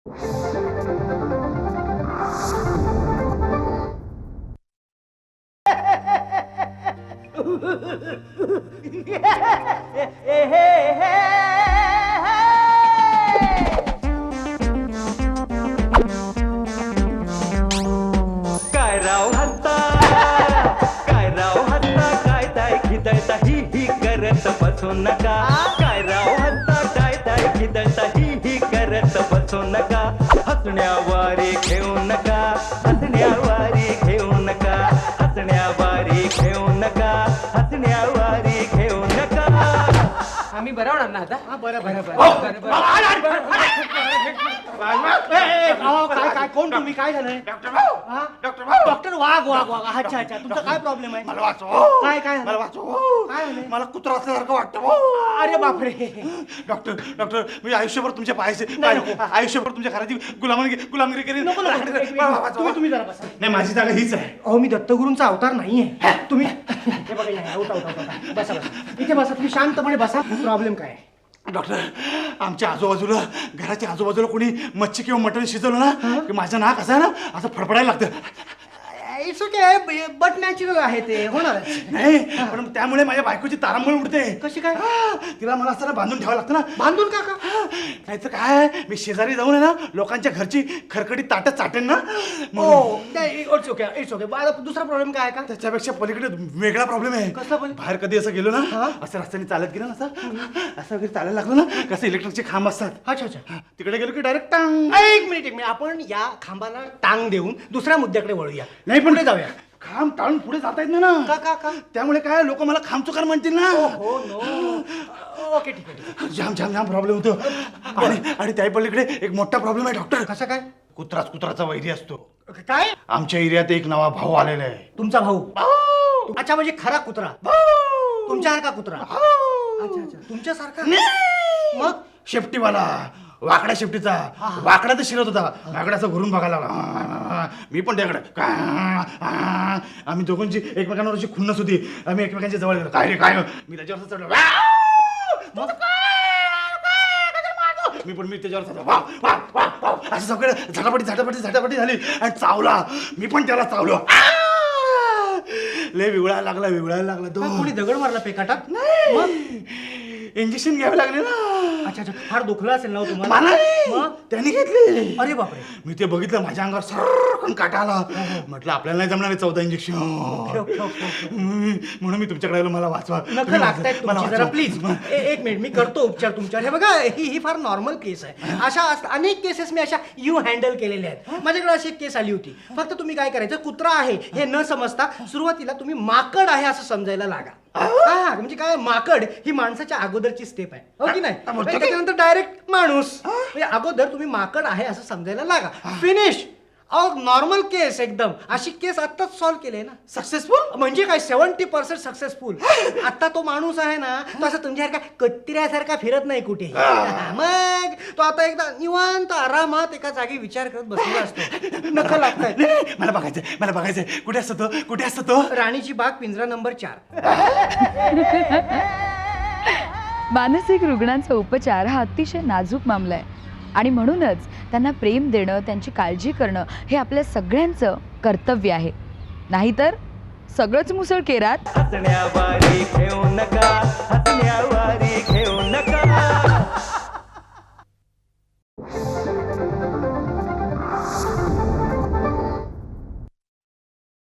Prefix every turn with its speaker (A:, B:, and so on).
A: काय राव हत्ता, काय राव हत्ता, काय ताय खिदळता ही करत बसू नका. काय राव हत्ता, काय ताय खिदळता ही करत बसू नका. हसण्यावारे घेऊ नका, हसण्यावारे घेऊ नका, हसण्यावारे घेऊ नका, हसण्यावारे घेऊ नका.
B: आम्ही बरं होणार ना आता?
C: हा बरं बरं बरं बरं काय काय कोण तुम्ही? काय झालंय? डॉक्टर वाघ वाघ वाघ. अच्छा अच्छा, तुमचा काय प्रॉब्लेम आहे?
D: मला वाचव.
C: काय काय
D: मला वाचव.
C: काय झालंय?
D: मला कुत्रा असल्यासारखं वाटतं.
C: अरे बापरे.
D: डॉक्टर डॉक्टर मी आयुष्यभर तुमच्या पायाचे
C: नाही.
D: आयुष्यभर तुमच्या घराची गुलामगिरी करीन.
C: नको नको, तुम्ही जरा बसा.
D: नाही, माझी जागा हीच आहे.
C: अहो मी दत्तगुरूंचा अवतार नाहीये. तुम्ही हे बघा, या, उठा उठा उठा. बसा बसा इथे बसा. तुम्ही शांतपणे बसा. प्रॉब्लेम काय आहे?
D: डॉक्टर, आमच्या आजूबाजूला घराच्या आजूबाजूला कोणी मच्छी किंवा मटण शिजवलं ना की माझं नाक असं ना असं फडफडायला लागतं.
C: इट्स ओके, बट नॅचरल आहे ते, होणार.
D: नाही, पण त्यामुळे माझ्या बायकोची तारांबळ उडते.
C: कशी काय?
D: तिला मला असं ना बांधून ठेवावं लागतं ना.
C: बांधून का?
D: नाही तर काय, मी शेजारी जाऊन आहे ना लोकांच्या घरची खरकटी ताटं चाटेन ना.
C: हो, इट्स ओके इट्स ओके. दुसरा प्रॉब्लेम काय आहे का?
D: त्याच्यापेक्षा पलीकडे वेगळा प्रॉब्लेम आहे.
C: कसला पण?
D: बाहेर कधी असं गेलो ना, असं रस्त्याने चालत गेलो ना, असं वगैरे चालायला लागलो ना, कसं इलेक्ट्रिकचे खांब असतात.
C: अच्छा अच्छा.
D: तिकडे गेलो की डायरेक्ट टांग.
C: एक मिनिट आपण या खांबाला टांग देऊन दुसऱ्या मुद्द्याकडे वळूया.
D: नाही, पण
C: पुढे जाऊया.
D: खांब टाळून पुढे जाता येत नाही ना.
C: का का का?
D: त्यामुळे काय लोक मला खांब चुकार म्हणतील ना.
C: हो नो. ओके ठीक आहे.
D: जाम जाम जाम प्रॉब्लेम होतो. आणि त्या पलीकडे एक मोठा प्रॉब्लेम आहे डॉक्टर.
C: कसं काय?
D: कुत्राचा वैरी असतो.
C: काय?
D: आमच्या एरियात एक नवा भाऊ आलेला आहे.
C: तुमचा भाऊ? अच्छा, म्हणजे खरा कुत्रा. तुमच्यासारखा कुत्रा? अच्छा अच्छा, तुमच्यासारखा. मग
D: शेपटीवाला, वाकड्या शेपटीचा. वाकडा तर शिरत होता, वाकड्याचा घरून बघायला लागला. मी पण त्याकडे. आम्ही दोघांची एकमेकांवर अशी खुन्नस होती. आम्ही एकमेकांच्या जवळ गेलो. काय रे काय? मी त्याच्यावर चढलो. मी त्याच्यावर चढलो. असं सगळं झटापटी झाली आणि चावला. मी पण त्याला चावलो. लय विवळायला लागला तो.
C: कोणी दगड मारला पेकाटात?
D: नाही, इंजेक्शन घ्यावे लागले ना.
C: अच्छा अच्छा, फार दुखलं असेल ना तुम्हाला?
D: मला
C: मग?
D: त्यांनी घेतली.
C: अरे बापरे.
D: मी ते बघितलं, माझ्या अंगावर सरकन काटा आला. म्हटलं आपल्याला नाही जमणार 14 इंजेक्शन. म्हणून मी तुमच्याकडे आलो. मला वाचवा.
C: नखं लागतायत तुमची जरा प्लीज. एक मिनिट, मी करतो उपचार तुमच्यावर. हे बघा, ही फार नॉर्मल केस आहे. अशा अनेक केसेस मी अशा हँडल केलेल्या आहेत. माझ्याकडे अशी एक केस आली होती. फक्त तुम्ही काय करायचं, कुत्रा आहे हे न समजता सुरुवातीला तुम्ही माकड आहे असं समजायला लागा. हा, म्हणजे काय, माकड ही माणसाच्या अगोदरची स्टेप आहे, हो की नाही? त्याच्यानंतर डायरेक्ट माणूस. म्हणजे अगोदर तुम्ही माकड आहे असं समजायला लागा. फिनिश. नॉर्मल केस एकदम. अशी केस आत्ताच सॉल्व्ह केली ना.
D: सक्सेसफुल
C: म्हणजे काय, 70% सक्सेसफुल. आता तो माणूस आहे ना, तो असं तुमच्यासारखा कत्र्यासारखा फिरत नाही कुठे. मग तो आता एकदा निवांत आरामात एका जागी विचार करत बसलेला असतो. नखं लागतायत.
D: मला बघायचंय. कुठे असतो तो?
C: राणीची बाग, पिंजरा नंबर 4.
E: मानसिक रुग्णांचा उपचार हा अतिशय नाजूक मामला आहे आणि म्हणूनच त्यांना प्रेम देणं, त्यांची काळजी करणं हे आपल्या सगळ्यांचं कर्तव्य आहे. नाहीतर सगळंच मुसळ केरात.
A: हसण्यावारे घेऊ नका, हसण्यावारे घेऊ नका.